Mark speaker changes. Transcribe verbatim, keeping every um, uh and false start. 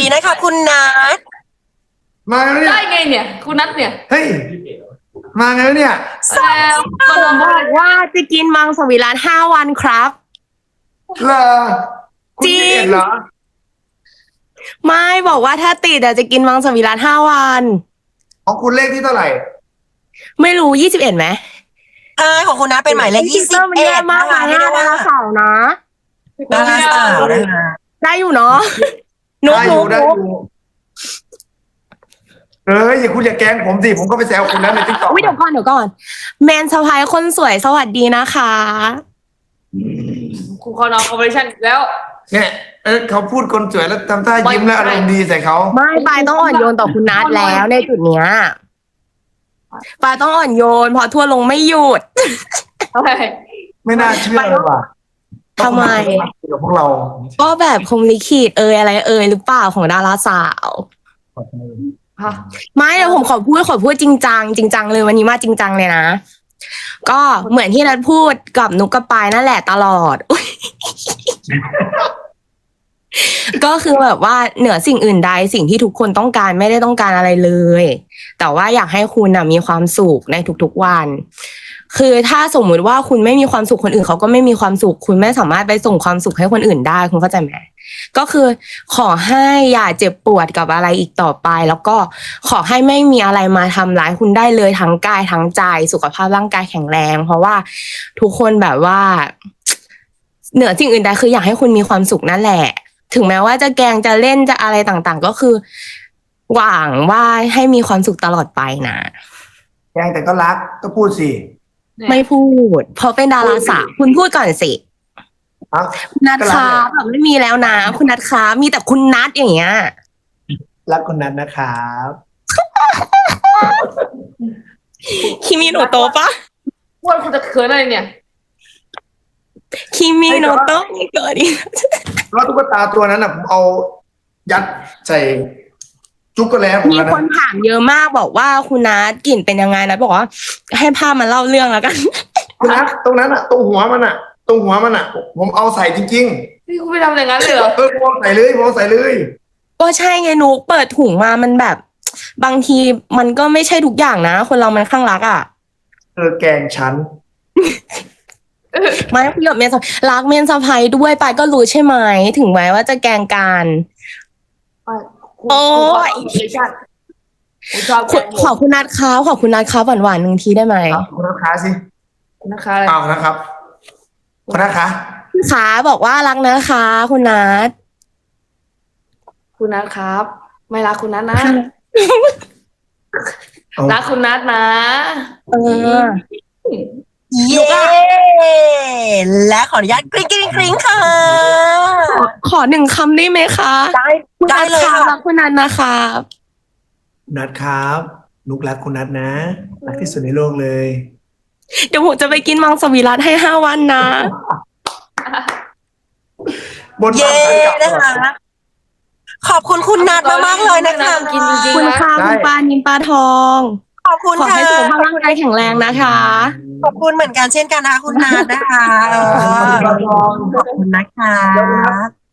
Speaker 1: ดีนะคะคุณนัท
Speaker 2: มาแล้วเนี่ย
Speaker 3: ได้ไงเนี่ย คุณนัทเนี่ย
Speaker 2: เฮ้ยมาไงแล้วเนี่ย
Speaker 3: แล้วก็โดน
Speaker 4: บอกว่าจะกินมังสวิรัติห้าวันครับ
Speaker 2: เหรอคุณยี่สิบเอ็ดเหรอ
Speaker 4: ไม่บอกว่าถ้าติดอะจะกินมังสวิรัติห้าวัน
Speaker 2: ของคุณเลขที่เท่าไหร่
Speaker 4: ไม่รู้ยี่สิบเอ็ดไหม
Speaker 1: ใช่ของคุณนัทเป็นหมายเลขยี่สิบ
Speaker 4: มัน
Speaker 1: เอ็
Speaker 4: แย่
Speaker 1: ด
Speaker 4: มาก
Speaker 1: นะคะ
Speaker 4: นะ
Speaker 1: เรียกได้ว่า
Speaker 4: ดาราสาวนะ
Speaker 1: ดาราสาวนะคะ
Speaker 4: ได้อยู่เนาะนุ๊ก
Speaker 2: ได้อ
Speaker 4: นุ๊
Speaker 2: ยู่
Speaker 4: ก
Speaker 2: ได้อยู่เอ้ยอย่าคุณอย่าแกล้งผมสิผมก็ไปแซวคุณนั้นในติ๊กต็อก
Speaker 4: วิเดี๋ยวก่อนเดี๋ยวก่อนแมนสะพายคนสวยสวัสดีนะคะ
Speaker 3: คุณคอนอคอร์ปอเรชั่นแล้ว
Speaker 2: เนี่ยเออเขาพูดคนสวยแล้วทำท่ายิ้ม
Speaker 3: ไม่
Speaker 2: แล้วอารมณ์ดีใส่เขา
Speaker 4: ไม่ปายต้องอ่อนโยนต่อคุณนัทแล้วในจุดเนี้ยปายต้องอ่อนโยนเพอทั่วลงไม่หยุด
Speaker 2: ไม่น่าเชื่อเลยว่ะ
Speaker 4: ทำไม
Speaker 2: กับพวกเรา
Speaker 4: ก็แบบคงลิขิตเอยอะไรเอยหรือเปล่าของดาราสาว
Speaker 3: ฮะ
Speaker 4: ไม่เดี๋ยวผมขอพูดขอพูดจริงจังจริงจังเลยวันนี้มาจริงจังเลยนะ ก็เหมือนที่นัทพูดกับนุกกับปายนั่นแหละตลอด อุ๊ย ก็คือแบบว่าเหนือสิ่งอื่นใดสิ่งที่ทุกคนต้องการไม่ได้ต้องการอะไรเลย แต่ว่าอยากให้คุณนะมีความสุขในทุกๆวัน คือถ้าสมมุติว่าคุณไม่มีความสุขคนอื่นเขาก็ไม่มีความสุข คุณไม่สามารถไปส่งความสุขให้คนอื่นได้คุณเข้าใจไหมก็คือขอให้อย่าเจ็บปวดกับอะไรอีกต่อไป แล้วก็ขอให้ไม่มีอะไรมาทำร้ายคุณได้เลยทั้งกายทั้งใจสุขภาพร่างกายแข็งแรง เพราะว่าทุกคนแบบว่า เหนือสิ่งอื่นใดคืออยากให้คุณมีความสุขนั่นแหละ ถึงแม้ว่าจะแกล้งจะเล่นจะอะไรต่างๆ ก็คือหวังว่าให้มีความสุขตลอดไปนะ
Speaker 2: แกล้งแต่ก็รักก็พูดสิ
Speaker 4: ไม่พูด เพราะเป็นดาราสาวคุณพูดก่อนสิ
Speaker 2: ครับ
Speaker 4: คุณนัทคะแบบไม่มีแล้วนะ คุณนัทคะมีแต่คุณนัทอย่างเงี้ย
Speaker 2: รักคนนั้นนะครับ
Speaker 4: คิมิโนโตะปะ
Speaker 3: พูดคุณจะเขินอะไรเนี่ย
Speaker 4: คิมิโนโตะนี่เกิดอีก
Speaker 2: แล้วตุ๊กตาตัวนั้นน่ะผมเอายัดใส่จุกโกแลตผม
Speaker 4: มี
Speaker 2: แล้ว
Speaker 4: คน
Speaker 2: นะ
Speaker 4: ถามเยอะมากบอกว่าคุณนัทกลิ่นเป็นยังไงนะบอกว่าให้ภาพมาเล่าเรื่องแล้วกัน
Speaker 2: คุณนะตรงนั้นอ่ะตรงหัวมันอ่ะ ตรงหัวมันอ่ะ ผมเอาใส่จริง
Speaker 3: นี่คุณไปทำอย่างนั้นเลยเหรอ
Speaker 2: ๆเออผมเอาใส่เลยผมเอาใส่เลย
Speaker 4: ก็ใช่ไงนุกเปิดถุงมามันแบบ บางทีมันก็ไม่ใช่ทุกอย่างนะ คนเรามันข้างรักอ่ะ
Speaker 2: เออแกล้งฉัน
Speaker 4: ไม่คุยกับเมนสะรักเมนสะพายด้วยไปก็รู้ใช่ไหมถึงแม้ว่าจะแกล้งกัน โอ้ย
Speaker 3: คุณชอบ
Speaker 4: ขอขอคุณนัทค้าขอคุณนัทค้าหวานหวานๆหนึ่งทีได้ไหม
Speaker 2: ครับคุณนัทคะสิ
Speaker 3: นะคะอะไร
Speaker 2: เอานะครับ คุณนัทคะ
Speaker 4: ค้าบอกว่ารักนะคะ คุณนัท
Speaker 3: คุณนัทครับ ไม่รักคุณนัทนะ
Speaker 2: เอา
Speaker 3: รักคุณนัทนะ
Speaker 4: เออ
Speaker 1: เย้และขออนุญาตกริ๊งกริ๊งกริ๊งค่ะ
Speaker 4: ขอขอหนึ่งคำได้ไหมคะ
Speaker 1: ได้
Speaker 4: คุณ
Speaker 1: ได้
Speaker 4: นัท
Speaker 1: เลย
Speaker 4: ค้า
Speaker 1: ค่ะ
Speaker 4: รักคุณนัทนะคะ
Speaker 2: คุณนัทครับนุกรักคุณนัทนะรักที่สุดในโลกเลย
Speaker 4: เดี๋ยวผมจะไปกินมังสวิรัติให้ห้าวันนะ
Speaker 2: บน
Speaker 1: เย้
Speaker 2: บ้านฉันกลับ
Speaker 1: นะคะ ขอบคุณคุณนัทมากๆเลยนะคะ
Speaker 3: กินจริง
Speaker 4: คุณ
Speaker 3: ๆนะ
Speaker 4: ค่ะคุณปลานินปลาทอง
Speaker 1: ขอบคุณ
Speaker 4: ขอ
Speaker 1: ค่ะ
Speaker 4: ให้สุขภาพร่างกายแข็งแรงนะคะ
Speaker 1: ขอบคุณเหมือนกันเช่นกันนะคะคุณนัทนะคะเออขอบคุณนะคะ